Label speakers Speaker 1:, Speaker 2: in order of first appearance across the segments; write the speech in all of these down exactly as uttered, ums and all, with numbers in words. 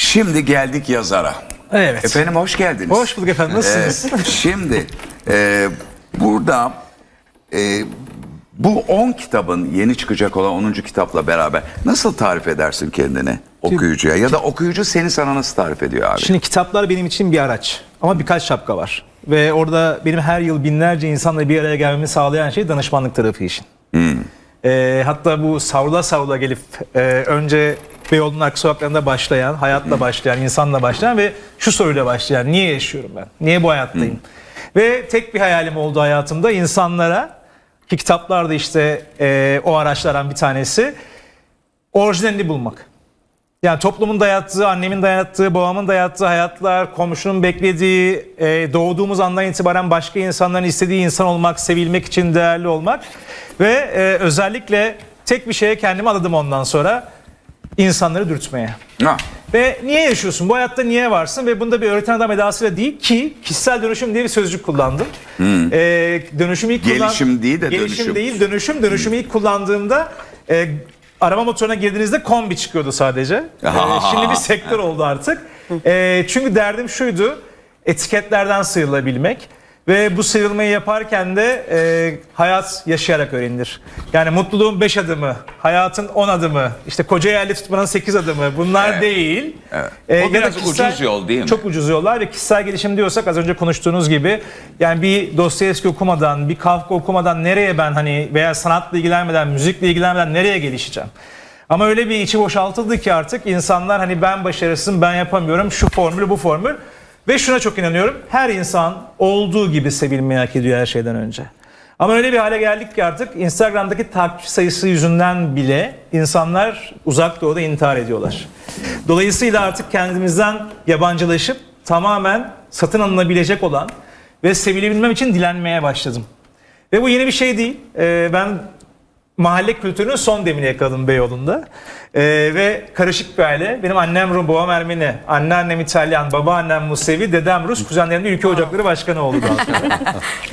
Speaker 1: Şimdi geldik yazara.
Speaker 2: Evet.
Speaker 1: Efendim hoş geldiniz.
Speaker 2: Hoş bulduk efendim. Nasılsınız?
Speaker 1: Ee, şimdi e, burada e, bu on kitabın yeni çıkacak olan onuncu kitapla beraber nasıl tarif edersin kendini okuyucuya? Ya da okuyucu seni sana nasıl tarif ediyor abi?
Speaker 2: Şimdi kitaplar benim için bir araç. Ama birkaç şapka var. Ve orada benim her yıl binlerce insanla bir araya gelmemi sağlayan şey danışmanlık tarafı işin.
Speaker 1: Hmm.
Speaker 2: Ee, hatta bu savrula savrula gelip e, önce Beyoğlu'nun arka sokaklarında başlayan, hayatla hmm. başlayan, insanla başlayan ve şu soruyla başlayan: niye yaşıyorum ben? Niye bu hayattayım? Hmm. Ve tek bir hayalim oldu hayatımda, insanlara, ki kitaplarda işte e, o araçlardan bir tanesi, orijinalini bulmak. Yani toplumun dayattığı, annemin dayattığı, babamın dayattığı hayatlar, komşunun beklediği, e, doğduğumuz andan itibaren başka insanların istediği insan olmak, sevilmek için değerli olmak ve e, özellikle tek bir şeye kendimi adadım ondan sonra: insanları dürtmeye.
Speaker 1: Ha.
Speaker 2: Ve niye yaşıyorsun? Bu hayatta niye varsın? Ve bunda bir öğreten adam edasıyla değil ki kişisel dönüşüm diye bir sözcük kullandım. Hmm. Ee, dönüşüm ilk kullan...
Speaker 1: Gelişim değil de
Speaker 2: Gelişim
Speaker 1: dönüşüm.
Speaker 2: Gelişim değil, dönüşüm. Dönüşümü ilk kullandığımda e, arama motoruna girdiğinizde kombi çıkıyordu sadece. E, şimdi bir sektör oldu artık. E, çünkü derdim şuydu: etiketlerden sıyrılabilmek. Ve bu sıyrılmayı yaparken de e, hayat yaşayarak öğrenilir. Yani mutluluğun beş adımı, hayatın on adımı, işte koca yerli tutmanın sekiz adımı, bunlar
Speaker 1: evet. değil.
Speaker 2: Evet.
Speaker 1: E, o biraz kişisel, ucuz yol değil mi?
Speaker 2: Çok ucuz yollar ve kişisel gelişim diyorsak az önce konuştuğunuz gibi, yani bir Dostoyevski okumadan, bir Kafka okumadan nereye ben hani veya sanatla ilgilenmeden, müzikle ilgilenmeden nereye gelişeceğim? Ama öyle bir içi boşaltıldı ki artık insanlar hani ben başarısızım, ben yapamıyorum, şu formül, bu formül. Ve şuna çok inanıyorum: her insan olduğu gibi sevilmeyi hak ediyor her şeyden önce. Ama öyle bir hale geldik ki artık Instagram'daki takipçi sayısı yüzünden bile insanlar uzak doğuda intihar ediyorlar. Dolayısıyla artık kendimizden yabancılaşıp tamamen satın alınabilecek olan ve sevilebilmem için dilenmeye başladım. Ve bu yeni bir şey değil. Ee, ben mahalle kültürünün son demini yakaladım Beyoğlu'nda. Ee, ve karışık bir aile. Benim annem Rum, babam Ermeni, anneannem İtalyan, babaannem Musevi, dedem Rus, kuzenlerim de Ülke Ocakları Başkanı oldu daha sonra.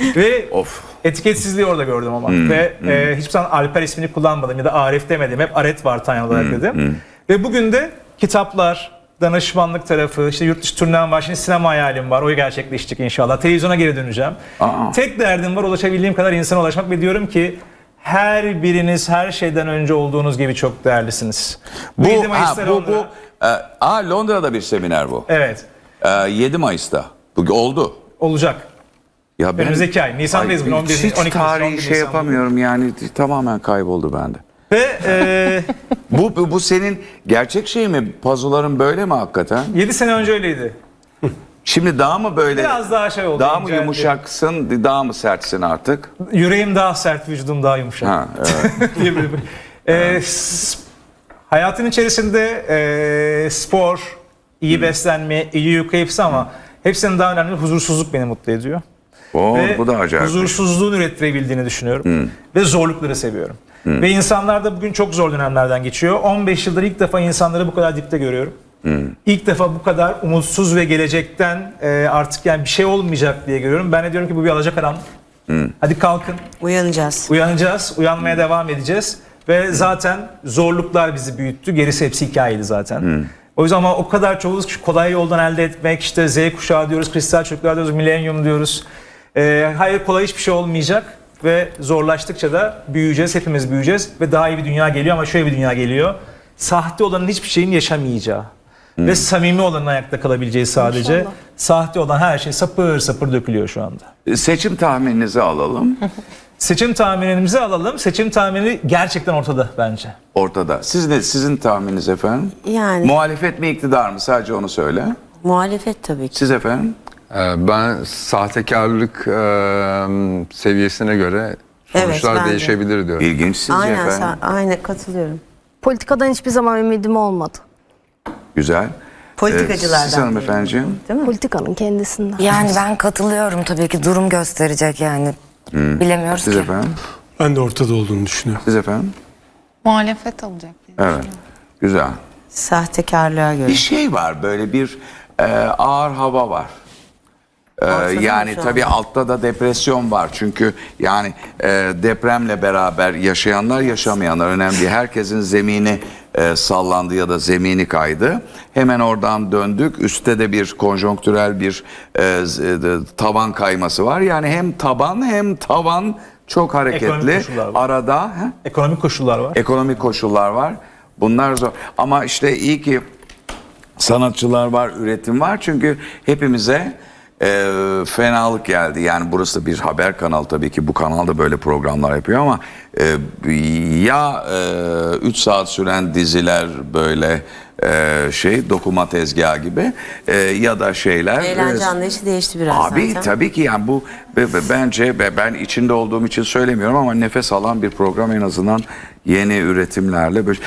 Speaker 2: Ve of. Etiketsizliği orada gördüm ama. Hmm, ve hmm. E, hiçbir zaman Alper ismini kullanmadım ya da Arif demedim. Hep Aret var Tanya olarak hmm, dedim. Hmm. Ve bugün de kitaplar, danışmanlık tarafı, işte yurt dışı turnem var, şimdi sinema hayalim var, o gerçekleşecek inşallah. Televizyona geri döneceğim. Aa. Tek derdim var: ulaşabildiğim kadar insana ulaşmak ve diyorum ki her biriniz her şeyden önce olduğunuz gibi çok değerlisiniz.
Speaker 1: Bu, yedi Mayıs'ta bu, bu e, aa, Londra'da bir seminer bu.
Speaker 2: Evet.
Speaker 1: E, yedi Mayıs'ta. Bu oldu.
Speaker 2: Olacak.
Speaker 1: Ya ben,
Speaker 2: önümüzdeki ay. Nisan'dayız bugün.
Speaker 1: Hiç on iki, tarihi şey yapamıyorum yani, tamamen kayboldu bende.
Speaker 2: Ve e,
Speaker 1: bu, bu, bu senin gerçek şey mi? Pazuların böyle mi hakikaten?
Speaker 2: yedi sene önce öyleydi. Şimdi
Speaker 1: daha mı böyle?
Speaker 2: Biraz daha şey oldu.
Speaker 1: Daha mı yumuşaksın, daha mı sertsin artık?
Speaker 2: Yüreğim daha sert, vücudum daha yumuşak. Ha, evet. e, hayatın içerisinde e, spor, iyi beslenme, iyi uyku hepsi, ama hepsinin daha önemli huzursuzluk beni mutlu ediyor.
Speaker 1: Oo, ve bu da acayip.
Speaker 2: Huzursuzluğun ürettirebildiğini düşünüyorum. Hmm. Ve zorlukları seviyorum. Hmm. Ve insanlar da bugün çok zor dönemlerden geçiyor. on beş yıldır ilk defa insanları bu kadar dipte görüyorum. Hmm. İlk defa bu kadar umutsuz ve gelecekten e, artık yani bir şey olmayacak diye görüyorum. Ben de diyorum ki bu bir alacakaranlık. Hmm. Hadi kalkın.
Speaker 3: Uyanacağız.
Speaker 2: Uyanacağız. Uyanmaya hmm. devam edeceğiz. Ve hmm. zaten zorluklar bizi büyüttü. Gerisi hepsi hikayeydi zaten. Hmm. O yüzden ama o kadar çoğuluz ki kolay yoldan elde etmek, işte Z kuşağı diyoruz, kristal çocuklar diyoruz, milenyum diyoruz. Ee, hayır, kolay hiçbir şey olmayacak ve zorlaştıkça da büyüyeceğiz, hepimiz büyüyeceğiz ve daha iyi bir dünya geliyor. Ama şöyle bir dünya geliyor: sahte olanın hiçbir şeyin yaşamayacağı hmm. ve samimi olanın ayakta kalabileceği sadece. İnşallah. Sahte olan her şey sapır sapır dökülüyor şu anda.
Speaker 1: Seçim tahmininizi alalım.
Speaker 2: Seçim tahminimizi alalım. Seçim tahmini gerçekten ortada bence.
Speaker 1: Ortada. Siz ne, sizin tahmininiz efendim?
Speaker 3: Yani.
Speaker 1: Muhalefet mi, iktidar mı? Sadece onu söyle.
Speaker 3: Muhalefet tabii ki.
Speaker 1: Siz efendim?
Speaker 4: Ben sahtekarlık e, seviyesine göre sonuçlar evet, değişebilir diyorum.
Speaker 1: İlginç sizce
Speaker 3: aynen,
Speaker 1: efendim?
Speaker 3: Aynen katılıyorum.
Speaker 5: Politikadan hiçbir zaman ümidim olmadı.
Speaker 1: Güzel.
Speaker 3: Politikacılardan.
Speaker 1: Ee, siz hanımefendiciğim?
Speaker 5: Değil mi? Politikanın kendisinden.
Speaker 6: Yani ben katılıyorum tabii ki, durum gösterecek yani. Hmm. Bilemiyoruz
Speaker 1: Siz
Speaker 6: ki.
Speaker 1: efendim?
Speaker 7: Ben de ortada olduğunu düşünüyorum.
Speaker 1: Siz efendim?
Speaker 8: Muhalefet olacak.
Speaker 1: Evet. Güzel.
Speaker 3: Sahtekarlığa göre.
Speaker 1: Bir şey var, böyle bir e, ağır hava var. Ee, yani tabii altta da depresyon var. Çünkü yani e, depremle beraber yaşayanlar, yaşamayanlar önemli değil. Herkesin zemini e, sallandı ya da zemini kaydı. Hemen oradan döndük. Üstte de bir konjonktürel bir e, z- e, tavan kayması var. Yani hem taban hem tavan çok hareketli.
Speaker 2: Ekonomik koşullar var.
Speaker 1: Arada he?
Speaker 2: Ekonomik koşullar var.
Speaker 1: ekonomik koşullar var. Bunlar zor. Ama işte iyi ki sanatçılar var, üretim var. Çünkü hepimize e, fenalık geldi. Yani burası bir haber kanalı tabii ki. Bu kanal da böyle programlar yapıyor ama e, ya üç saat süren diziler böyle e, şey dokuma tezgahı gibi e, ya da şeyler.
Speaker 3: Eğlence
Speaker 1: e,
Speaker 3: anlayışı değişti biraz
Speaker 1: Abi
Speaker 3: zaten.
Speaker 1: tabii ki yani bu be- be- bence be- ben içinde olduğum için söylemiyorum ama nefes alan bir program en azından yeni üretimlerle böyle.